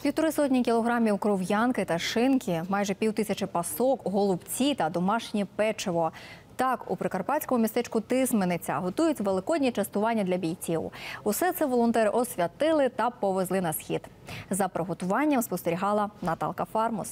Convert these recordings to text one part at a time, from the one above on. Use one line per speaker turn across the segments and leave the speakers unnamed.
150 кілограмів кров'янки та шинки, майже 5000 пасок, голубці та домашнє печиво. Так, у прикарпатському містечку Тисмениця готують великодні частування для бійців. Усе це волонтери освятили та повезли на схід. За приготуванням спостерігала Наталка Фармус.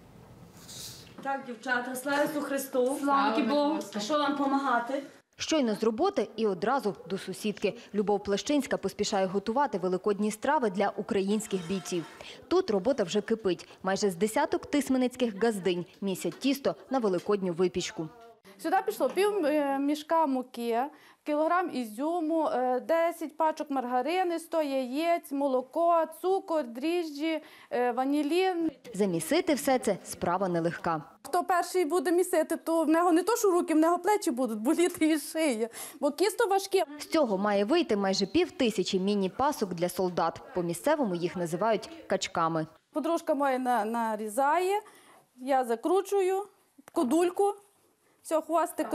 Так, дівчата, слава Ісусу Христу, слава Богу. А що вам допомагати?
Щойно з роботи і одразу до сусідки. Любов Плещинська поспішає готувати великодні страви для українських бійців. Тут робота вже кипить. Майже з десяток тисменицьких газдинь місять тісто на великодню випічку.
Сюди пішло пів мішка муки, кілограм ізюму, 10 пачок маргарини, 100 яєць, молоко, цукор, дріжджі, ванілін.
Замісити все це – справа нелегка.
Хто перший буде місити, то в нього не то, що руки, в нього плечі будуть боліти і шия, бо кісто важке.
З цього має вийти майже 5000 міні-пасок для солдат. По-місцевому їх називають качками.
Подружка моя нарізає, я закручую, кодульку. Все, хвостик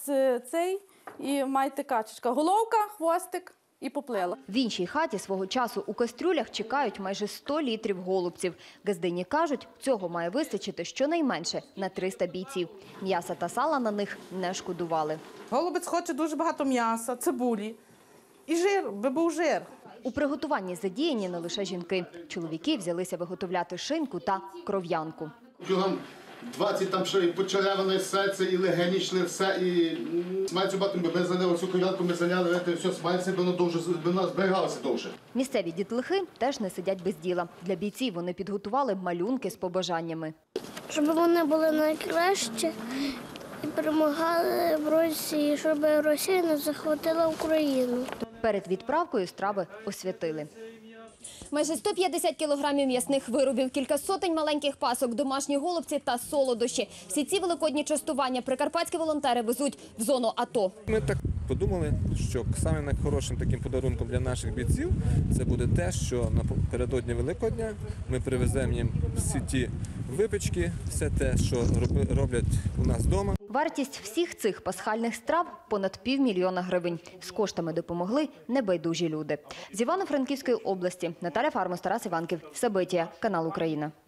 цей і майте качечка. Головка, хвостик і поплила.
В іншій хаті свого часу у кастрюлях чекають майже 100 літрів голубців. Газдині кажуть, цього має вистачити щонайменше на 300 бійців. М'яса та сала на них не шкодували.
Голубець хоче дуже багато м'яса, цибулі і жир, би був жир.
У приготуванні задіяні не лише жінки. Чоловіки взялися виготовляти шинку та кров'янку.
Кілограм 20 там ще і почереване серце, і легені йшли, все, і смальцю батом ми заняли, цю кров'янку ми заняли, все, смальце, воно зберігалося довше.
Місцеві дітлахи теж не сидять без діла. Для бійців вони підготували малюнки з побажаннями.
Щоб вони були найкращі і перемагали в Росії, щоб Росія не захопила Україну.
Перед відправкою страви освятили.
Майже 150 кілограмів м'ясних виробів, кілька сотень маленьких пасок, домашні голубці та солодощі. Всі ці великодні частування прикарпатські волонтери везуть в зону АТО.
Ми так подумали, що самим найхорошим таким подарунком для наших бійців це буде те, що напередодні Великодня ми привеземо їм всі ті випічки, все те, що роблять у нас вдома.
Вартість всіх цих пасхальних страв – понад 500 000 гривень. З коштами допомогли небайдужі люди. З Івано-Франківської області Наталя Фармус, Тарас Іванків, Сабитія, канал Україна.